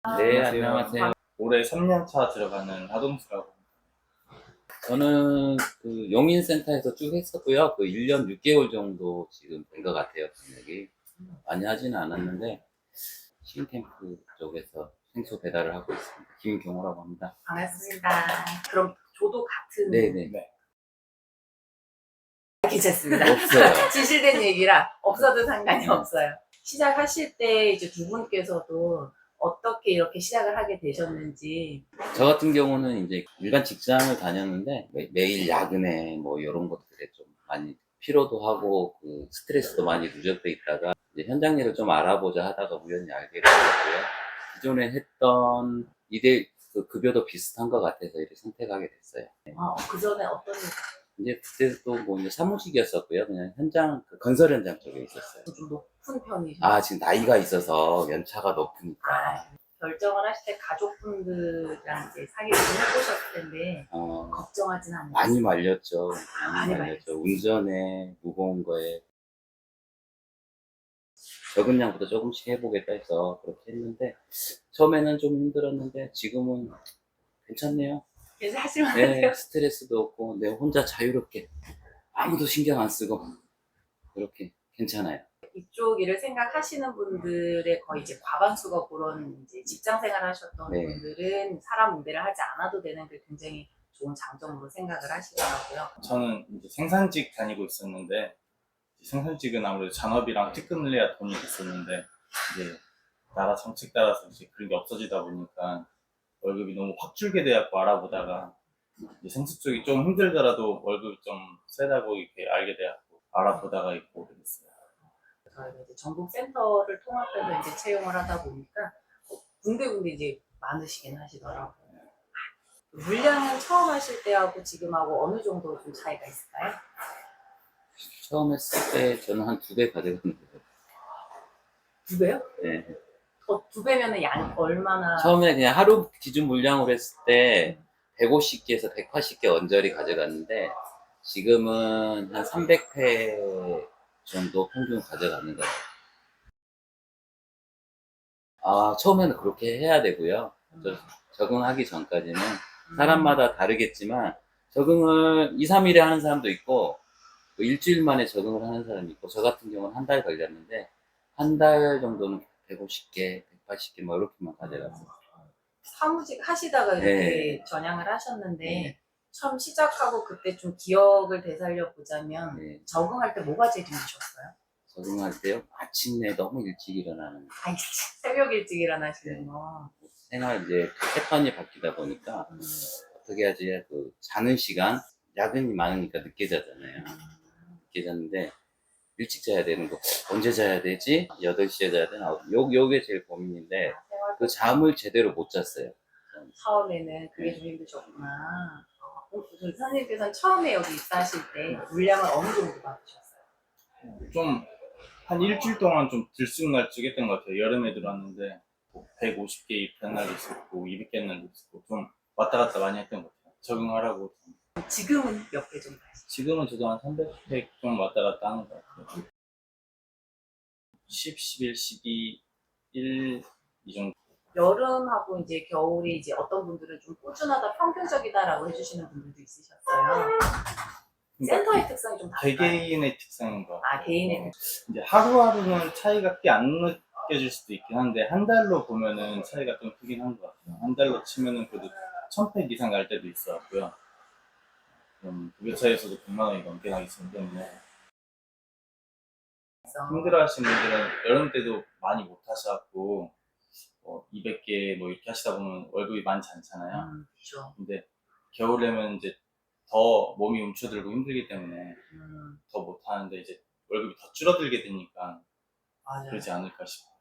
네, 안녕하세요. 안녕하세요. 올해 3년 차 들어가는 하동수라고. 저는 그 용인센터에서 쭉 했었고요. 그 1년 6개월 정도 지금 된 것 같아요, 경력이. 많이 하지는 않았는데, 신캠프 쪽에서 생수 배달을 하고 있습니다. 김경호라고 합니다. 반갑습니다. 그럼 저도 같은 네네. 네. 괜찮습니다. 없어요. 진실된 얘기라 없어도 상관이 없어요. 시작하실 때 이제 두 분께서도 어떻게 이렇게 시작을 하게 되셨는지. 저 같은 경우는 이제 일반 직장을 다녔는데, 매일 야근에 뭐 이런 것들에 좀 많이 피로도 하고, 그 스트레스도 많이 누적돼 있다가, 이제 현장 일을 좀 알아보자 하다가 우연히 알게 됐고요. 기존에 했던 일의 그 급여도 비슷한 것 같아서 이렇게 선택하게 됐어요. 그 전에 어떤 이제 그때도 뭐 이제 사무직이었었고요. 그냥 현장, 그 건설 현장 쪽에 있었어요. 좀 높은 편이셨나요? 지금 나이가 있어서 연차가 높으니까. 결정을 하실 때 가족분들이랑 이제 상의를 좀 해보셨을 텐데 걱정하진 않으셨어요? 많이 말렸죠. 많이 많이 말렸죠. 운전에, 무거운 거에. 적은 양보다 조금씩 해보겠다 해서 그렇게 했는데, 처음에는 좀 힘들었는데, 지금은 괜찮네요. 그래서 하실만해요? 네, 스트레스도 없고, 내가 혼자 자유롭게 아무도 신경 안 쓰고, 그렇게 괜찮아요. 이쪽 일을 생각하시는 분들의 거의 이제 과반수가 그런 이제 직장 생활 하셨던 네. 분들은 사람 응대를 하지 않아도 되는 게 굉장히 좋은 장점으로 생각을 하시더라고요. 저는 이제 생산직 다니고 있었는데, 생산직은 아무래도 잔업이랑 특근을 해야 돈이 있었는데, 이제 나라 정책 따라서 이제 그런 게 없어지다 보니까 월급이 너무 확 줄게 돼갖고 알아보다가, 이제 생수 쪽이 좀 힘들더라도 월급이 좀 세다고 이렇게 알게 돼갖고 알아보다가 있고 오게 됐어요. 저희가 이제 전국 센터를 통합해서 이제 채용을 하다 보니까 군데군데 이제 많으시긴 하시더라고요. 물량은 처음 하실 때하고 지금하고 어느 정도 좀 차이가 있을까요? 처음 했을 때 저는 한 2배 가져갔는데, 두 배요? 네. 두 배면은 양 얼마나? 처음에 그냥 하루 기준 물량으로 했을 때 150개에서 180개 언저리 가져갔는데, 지금은 한 300회 정도 평균 가져가는 거예요. 처음에는 그렇게 해야 되고요. 적응하기 전까지는 사람마다 다르겠지만, 적응을 2, 3일에 하는 사람도 있고, 뭐 일주일 만에 적응을 하는 사람이 있고, 저 같은 경우는 한 달 걸렸는데, 한 달 정도는 150개, 180개 뭐 이렇게만 가져갔어요. 사무직 하시다가 이렇게 네. 전향을 하셨는데 네. 처음 시작하고 그때 좀 기억을 되살려 보자면 네. 적응할 때 뭐가 제일 힘드셨어요? 적응할 때요? 마침내 너무 일찍 일어나는 거. 새벽 일찍 일어나시는 거. 생활 이제 패턴이 바뀌다 보니까 어떻게 하지? 그 자는 시간, 야근이 많으니까 늦게 자잖아요. 늦게 잤는데 일찍 자야 되는 거 언제 자야 되지? 8시에 자야 되나? 요게 제일 고민인데 그 잠을 제대로 못 잤어요. 처음에는 그게 좀 힘드셨구나. 그 선생님께서는 처음에 여기 입사하실 때 물량을 어느 정도 받으셨어요? 좀 한 일주일 동안 좀 들쑥날쑥했던 것 같아요. 여름에 들어왔는데 150개 입한 날도 있었고 200개 날도 있었고 좀 왔다 갔다 많이 했던 것 같아요. 적응하라고. 지금은 몇 개 정도 하시죠? 지금은 저도 한 300팩 좀 왔다 갔다 하는 것 같아요. 10, 11, 12, 1, 이 정도. 여름하고 이제 겨울이 이제 어떤 분들은 좀 꾸준하다, 평균적이다라고 해주시는 분들도 있으셨어요. 센터의 특성이 좀 다를까요? 개개인의 특성인 것 같아요. 개인의 이제 하루하루는 차이가 꽤 안 느껴질 수도 있긴 한데 한 달로 보면은 차이가 좀 크긴 한 것 같아요. 한 달로 치면은 그래도 1000팩 이상 갈 때도 있었고요. 그럼 급여차에서도 100만 원이 넘게 나기 때문에 특성. 힘들어하시는 분들은 여름 때도 많이 못 하셔갖고 200개 뭐 이렇게 하시다 보면 월급이 많지 않잖아요. 그렇죠. 근데 겨울에면 이제 더 몸이 움츠들고 힘들기 때문에 더 못하는데 이제 월급이 더 줄어들게 되니까 맞아요. 그러지 않을까 싶어요.